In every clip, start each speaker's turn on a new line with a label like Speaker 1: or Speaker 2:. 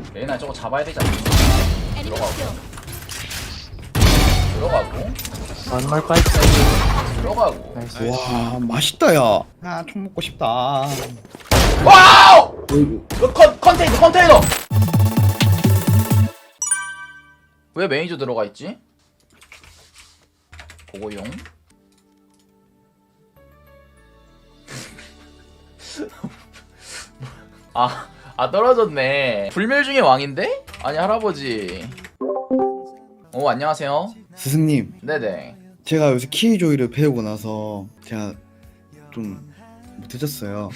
Speaker 1: 레이나 저거 잡아야 되지 않나? 들어가고
Speaker 2: One more pipe.
Speaker 1: 들어가고
Speaker 2: Nice.
Speaker 3: 와 맛있다 야. 아 총 먹고 싶다.
Speaker 1: 와우!
Speaker 3: 어이구.
Speaker 1: 이거 컨테이너! 왜 매니저 들어가 있지? 보고용. 떨어졌네. 불멸 중의 왕인데? 아니 할아버지. 오 안녕하세요.
Speaker 3: 스승님,
Speaker 1: 네네.
Speaker 3: 제가 요새 키조이를 배우고 나서 제가 좀 못해졌어요.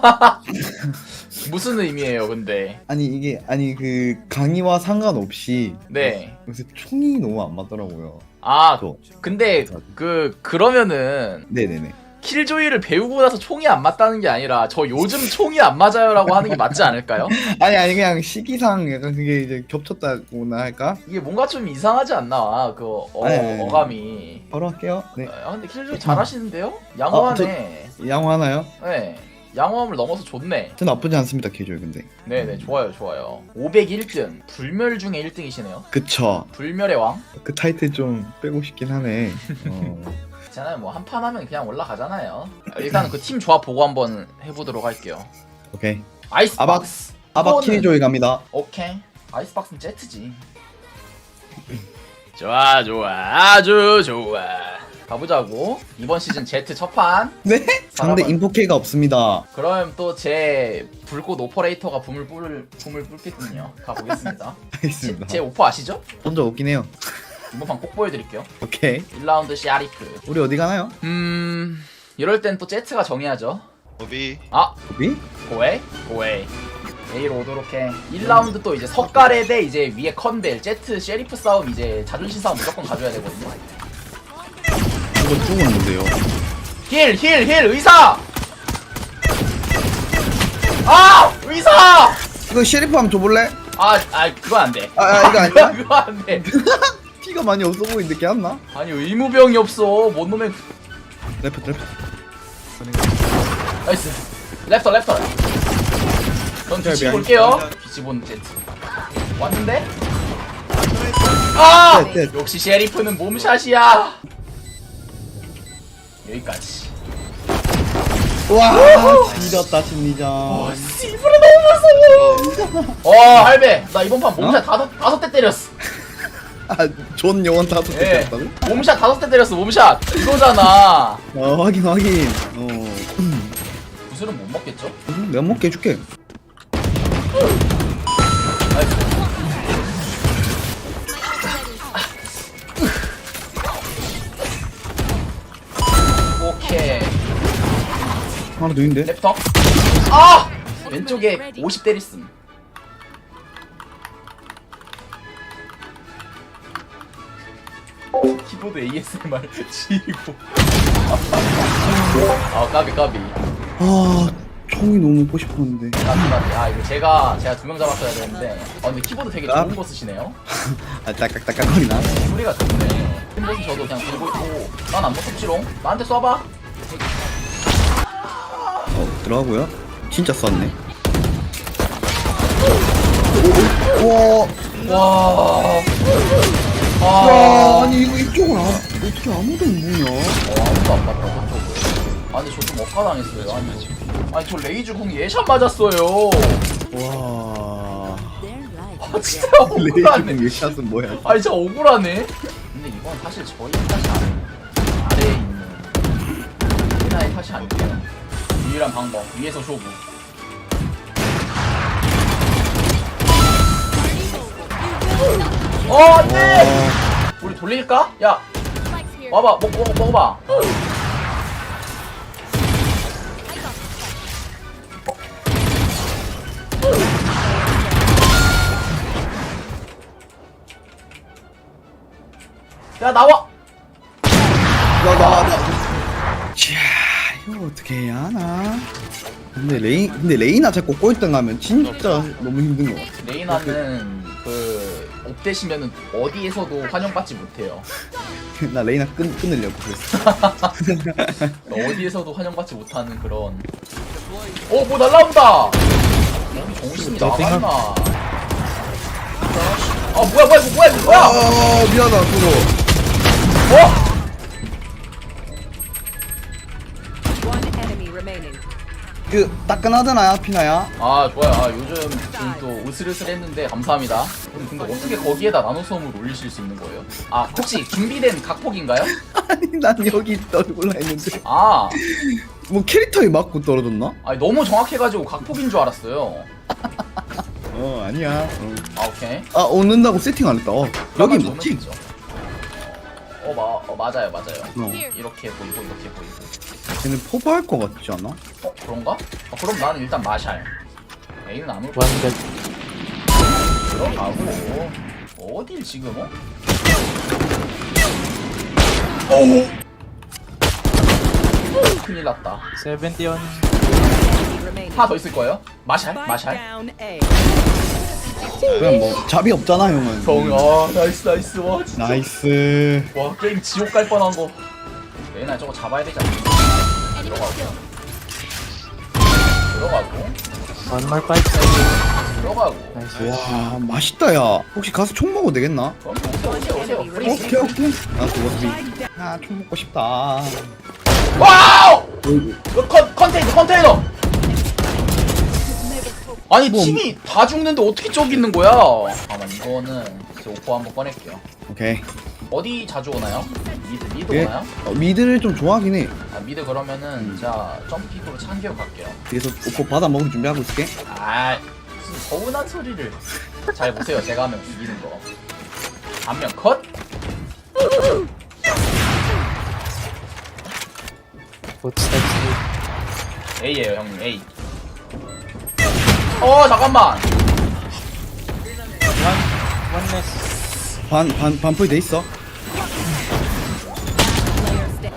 Speaker 1: 무슨 의미예요 근데?
Speaker 3: 아니 이게 그 강의와 상관없이
Speaker 1: 네.
Speaker 3: 요새 총이 너무 안 맞더라고요.
Speaker 1: 아
Speaker 3: 저.
Speaker 1: 근데 그러면은
Speaker 3: 네네네.
Speaker 1: 킬조이를 배우고 나서 총이 안 맞다는 게 아니라 저 요즘 총이 안 맞아요라고 하는 게 맞지 않을까요?
Speaker 3: 아니 그냥 시기상 약간 그게 이제 겹쳤다고나 할까?
Speaker 1: 이게 뭔가 좀 이상하지 않나
Speaker 3: 아니.
Speaker 1: 어감이.
Speaker 3: 바로 할게요. 네.
Speaker 1: 아 근데 킬조이 잘하시는데요? 양호하네.
Speaker 3: 양호하나요?
Speaker 1: 네. 양호함을 넘어서 좋네.
Speaker 3: 저 나쁘지 않습니다 키조이 근데.
Speaker 1: 네네 좋아요 좋아요. 501등 불멸 중에 1등이시네요.
Speaker 3: 그쵸.
Speaker 1: 불멸의 왕?
Speaker 3: 그 타이틀 좀 빼고 싶긴 하네.
Speaker 1: 있잖아요 뭐 한 판 하면 그냥 올라가잖아요. 일단 그 팀 조합 보고 한번 해보도록 할게요.
Speaker 3: 오케이.
Speaker 1: 아이스박스.
Speaker 3: 아바
Speaker 1: 이거는-
Speaker 3: 키조이 갑니다.
Speaker 1: 오케이. 아이스박스는 제트지. 좋아 아주 좋아. 가보자고. 이번 시즌 제트 첫판.
Speaker 3: 네? 상대 인포케가 없습니다.
Speaker 1: 그럼 또 제 불꽃 오퍼레이터가 붐을 뿜겠군요. 가보겠습니다.
Speaker 3: 알겠습니다.
Speaker 1: 제 오퍼 아시죠?
Speaker 3: 혼자 없긴 해요.
Speaker 1: 이번 판 꼭 보여드릴게요.
Speaker 3: 오케이.
Speaker 1: 1라운드 샤리프.
Speaker 3: 우리 어디 가나요?
Speaker 1: 이럴 땐 또 제트가 정해야죠.
Speaker 4: 오비
Speaker 1: 아
Speaker 3: 거기?
Speaker 1: 고에 A로 오도록 해. 1라운드 또 이제 석가래 대 이제 위에 컨벨 제트 셰리프 싸움 이제 자존심 싸움 무조건 가져야 되거든요.
Speaker 3: 이거 죽었는데요.
Speaker 1: 힐 의사. 아 의사.
Speaker 3: 이거 셰리프 한번 줘볼래?
Speaker 1: 그거 안 돼.
Speaker 3: 이거 아니야?
Speaker 1: 그거 안 돼.
Speaker 3: 피가 많이 없어 보이는데 걔안나?
Speaker 1: 아니 의무병이 없어. 뭔 놈의
Speaker 3: 레프트.
Speaker 1: 나이스. 랩터. 전 뒤치고
Speaker 3: 미안.
Speaker 1: 올게요. 뒤치본 제트. 왔는데?
Speaker 3: 네.
Speaker 1: 역시 셰리프는 몸샷이야. 여기까지.
Speaker 3: 와 지렸다 심리전.
Speaker 1: 씨부레 너무 무서워. 할배. 나 이번 판 몸샷 다섯 대 때렸어.
Speaker 3: 존 영원 다섯 개
Speaker 1: 예.
Speaker 3: 떴다고?
Speaker 1: 몸샷 5대 때렸어. 몸샷. 이거잖아.
Speaker 3: 확인.
Speaker 1: 구슬은 못 먹겠죠?
Speaker 3: 내가 먹게 해줄게.
Speaker 1: 나이스. 오케이.
Speaker 3: 하나 더 있는데?
Speaker 1: 랩터. 왼쪽에 50 때렸음. 키보드 ASMR 지리고. 까비.
Speaker 3: 총이 너무 먹고 싶었는데.
Speaker 1: 이거 제가 2명 잡았어야 되는데. 근데 키보드 되게 좋은 거 쓰시네요.
Speaker 3: 딱딱거리나?
Speaker 1: 소리가 좋네. 팀보스 저도 그냥 들고 있고. 난 안 무섭지롱. 나한테 쏴봐.
Speaker 3: 들어가고요. 진짜 쐈네.
Speaker 1: 와.
Speaker 3: 아니 이거 이쪽은 어떻게 아무도 안 보냐?
Speaker 1: 아무도 안 봤다 저쪽을. 근데 저 좀 억까당했어요. 아니 저 레이즈 궁 예샷 맞았어요.
Speaker 3: 와.
Speaker 1: 진짜 억울하네.
Speaker 3: 레이징 샷은 뭐야?
Speaker 1: 진짜 억울하네. 근데 이건 사실 저희 탓이 아래에 있는 희나의 탓이 아니에요. 유일한 방법 위에서 쇼부. 안돼. 우리 돌릴까? 야 와봐 먹어봐. 야 나와.
Speaker 3: 자, 이거 어떻게 해야 하나? 근데 레이나 자꾸 꼴등 하면 진짜 너무 힘든 것 같아.
Speaker 1: 레이나는 업되시면은 어디에서도 환영받지 못해요.
Speaker 3: 나 레이나 끊으려고 그랬어.
Speaker 1: 어디에서도 환영받지 못하는 그런. 뭐 날라온다. 정신이 나갔나? 아 뭐야 뭐야 이거 뭐야 이거 뭐야?
Speaker 3: 아 미안하다 그거.
Speaker 1: 어?
Speaker 2: One enemy remaining.
Speaker 3: 그 따끈하잖아 피나야.
Speaker 1: 아 좋아요. 아 요즘 지금 또 으슬으슬했는데 감사합니다. 근데 어떻게 거기에다 나노솜을 올리실 수 있는 거예요? 아 혹시 준비된 각폭인가요?
Speaker 3: 아니 난 여기 떨굴라 했는데
Speaker 1: 아
Speaker 3: 뭐 캐릭터에 맞고 떨어졌나?
Speaker 1: 아니, 너무 정확해가지고 각폭인 줄 알았어요.
Speaker 3: 어 아니야.
Speaker 1: 아 오케이.
Speaker 3: 아 얻는다고 세팅 안 했다. 여기
Speaker 1: 그러면
Speaker 3: 뭐지?
Speaker 1: 넣는 거죠. 맞아요 맞아요.
Speaker 3: 어.
Speaker 1: 이렇게 보이고 이렇게 보이고.
Speaker 3: 걔는 포바할 것 같지 않아?
Speaker 1: 어 그런가? 그럼 나는 일단 마샬. A는 안 올.
Speaker 4: 완전
Speaker 1: 들어가고 어딜 지금 어? 오우. 큰일 났다.
Speaker 4: 70 on
Speaker 2: Enemy remaining.
Speaker 1: 하나 더 있을 거예요? 마샬?
Speaker 2: Spike
Speaker 1: 마샬?
Speaker 2: down A.
Speaker 3: 그냥 뭐 잡이 없잖아 형은.
Speaker 1: 나이스 나이스 와 진짜.
Speaker 3: 나이스.
Speaker 1: 와 게임 지옥 갈 뻔한 거. 얘나 저거 잡아야 되지 않나? 들어가고
Speaker 4: one more fight side.
Speaker 1: 들어가고.
Speaker 4: Nice.
Speaker 3: 와 맛있다 야. 혹시 가서 총 먹어도 되겠나?
Speaker 1: 그럼 오세요.
Speaker 3: 오케이 오케이. 나 죽었어. 아총 먹고 싶다.
Speaker 1: 와우! 이거 컨테이너! 아니
Speaker 3: 뭐,
Speaker 1: 팀이 다 죽는데 어떻게 저기 있는 거야? 잠깐만 이거는 제 오퍼 한번 꺼낼게요.
Speaker 3: 오케이.
Speaker 1: 어디 자주 오나요? 미드
Speaker 3: 예.
Speaker 1: 오나요?
Speaker 3: 미드를 좀 좋아하긴 해.
Speaker 1: 아 미드 그러면은 자 점픽으로 참기어 갈게요.
Speaker 3: 그래서 오빠 받아 먹을 준비하고 있을게.
Speaker 1: 아 무슨 서운한 소리를. 잘 보세요. 제가 하면 죽이는 거. 반면 컷?
Speaker 4: Footsteps mid.
Speaker 1: A예요 형님 A. 잠깐만.
Speaker 4: One nest.
Speaker 3: 반풀 돼 있어.
Speaker 2: Player stand.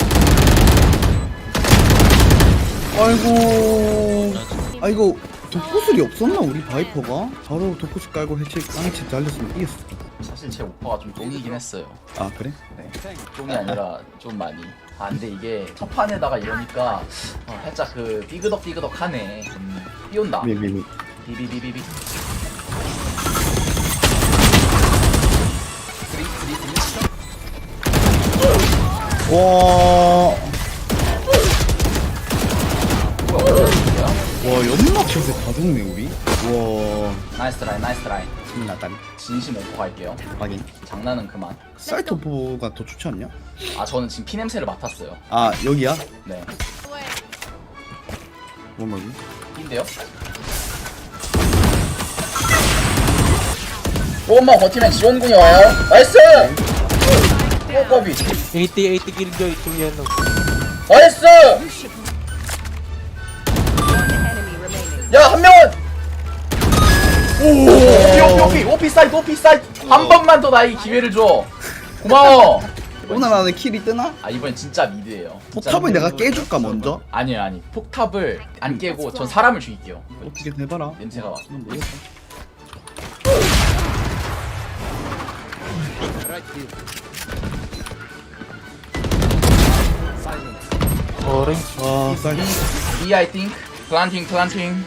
Speaker 3: 아이고. 아 이거 독구슬이 없었나 우리 바이퍼가? 바로 독구슬 깔고 깡해치 달렸으면 이겼어.
Speaker 1: 사실 제 오퍼가 좀 똥이긴 했어요.
Speaker 3: 아 그래?
Speaker 1: 네. 똥이 아니라 좀 많이. 아 근데 이게 첫 판에다가 이러니까 살짝 그 삐그덕삐그덕하네. 삐온다.
Speaker 3: 미미미.
Speaker 1: 비비비비비.
Speaker 3: 와.
Speaker 1: 뭐야?
Speaker 3: 와 연막 샷에 다 죽네 우리. 와.
Speaker 1: 나이스 트라이 나이스 트라이.
Speaker 3: 신나다리.
Speaker 1: 진심 오퍼 갈게요.
Speaker 3: 확인.
Speaker 1: 장난은 그만.
Speaker 3: 사이트 오퍼가 더 좋지 않냐?
Speaker 1: 아 저는 지금 피 냄새를 맡았어요.
Speaker 3: 아 여기야?
Speaker 1: 네.
Speaker 3: 뭐 말이?
Speaker 1: 인데요? 조금만 버티면 지원군이 와요. 나이스! 꼬꼬비.
Speaker 4: 80 killjoy to yellow.
Speaker 1: 나이스!
Speaker 2: One enemy remaining.
Speaker 1: 야, 한 명은! 오피 사이트. 한 번만 더 나에게 기회를 줘. 고마워.
Speaker 3: 오늘 안에 킬이 뜨나?
Speaker 1: 아, 이번엔 진짜 미드예요. 진짜
Speaker 3: 포탑을
Speaker 1: 미드.
Speaker 3: 내가 깨줄까 먼저?
Speaker 1: 아니에요. 폭탑을 안 깨고 전 사람을 죽일게요.
Speaker 3: 어떻게 해봐라.
Speaker 1: 냄새가 와.
Speaker 3: 난 모르겠어.
Speaker 4: Orange.
Speaker 3: 아 사이트.
Speaker 1: B I think. planting.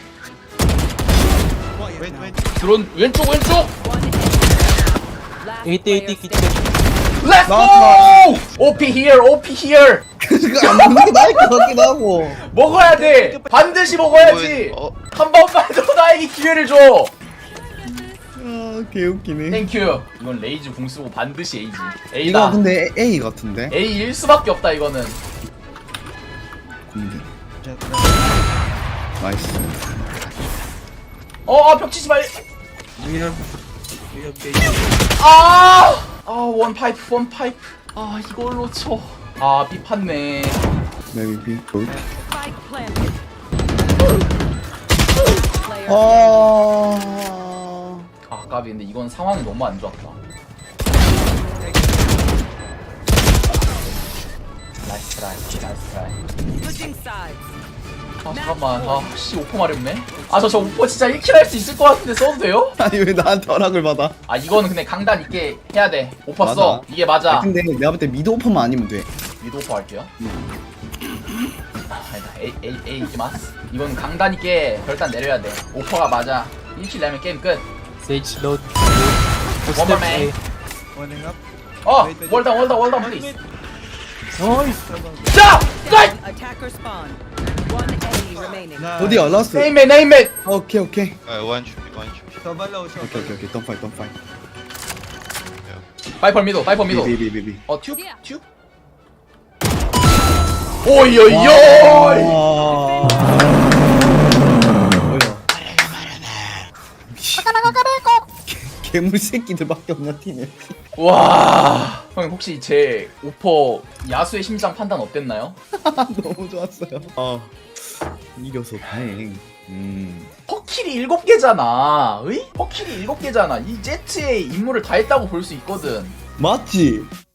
Speaker 1: 드론 왼쪽.
Speaker 2: One enemy. Last
Speaker 4: 80
Speaker 2: player
Speaker 4: 80 kitchen.
Speaker 1: Let's go! OP here.
Speaker 3: 그거 안 먹는 게 나을 것 같기도 하고.
Speaker 1: 먹어야 돼. 반드시 먹어야지. 한 번만 더 나에게 기회를 줘.
Speaker 3: 아 개웃기네.
Speaker 1: 땡큐. 이건 레이즈 공 쓰고 반드시 A지.
Speaker 3: 이거
Speaker 1: A다.
Speaker 3: 근데 A 같은데?
Speaker 1: A일 수밖에 없다 이거는.
Speaker 3: 군대. 나이스.
Speaker 1: 벽 치지 말. 원 파이프. 이걸로 쳐. B 팠네.
Speaker 3: maybe good.
Speaker 2: Spike planted. Player
Speaker 1: 까비. 근데 이건 상황이 너무 안 좋았다. 나이스 트라이.
Speaker 2: switching sides.
Speaker 1: 잠깐만. 오퍼 마렵네. 저 오퍼 진짜 1킬 할 수 있을 것 같은데 써도 돼요?
Speaker 3: 아니 왜 나한테 허락을 받아?
Speaker 1: 이거는 근데 강단 있게 해야 돼. 오퍼
Speaker 3: 맞아.
Speaker 1: 써. 이게 맞아.
Speaker 3: 아, 근데 내가 볼 때 미드 오퍼만 아니면 돼.
Speaker 1: 위도 오퍼 할게요. 아니다. A 이기마스. 이건 강단 있게 결단 내려야 돼. 오퍼가 맞아. 1킬 내면 게임 끝.
Speaker 4: Sage load.
Speaker 1: One more man.
Speaker 5: Warning up.
Speaker 1: 어, 월당, please.
Speaker 4: Nice.
Speaker 1: 자, 자,
Speaker 2: Attacker spawn. One enemy remaining.
Speaker 5: Nice.
Speaker 3: 어디야 라스트?
Speaker 1: 네임맨.
Speaker 3: 오케이 오케이
Speaker 6: One should be, one should be.
Speaker 5: Soba low, soba
Speaker 3: 오케이
Speaker 5: low.
Speaker 3: 오케이 Don't fight don't fight
Speaker 1: 파이퍼 미도.
Speaker 3: 비비비비비
Speaker 1: 어, 튜브. 오이오이오.
Speaker 3: 괴물 새끼들밖에 없냐 팀에.
Speaker 1: 와. 형 혹시 제 오퍼 야수의 심장 판단 어땠나요?
Speaker 3: 너무 좋았어요. 이겨서 다행.
Speaker 1: 퍼킬이 7개잖아. 의? 퍼킬이 7개잖아. 이 제트의 임무를 다 했다고 볼 수 있거든.
Speaker 3: 맞지?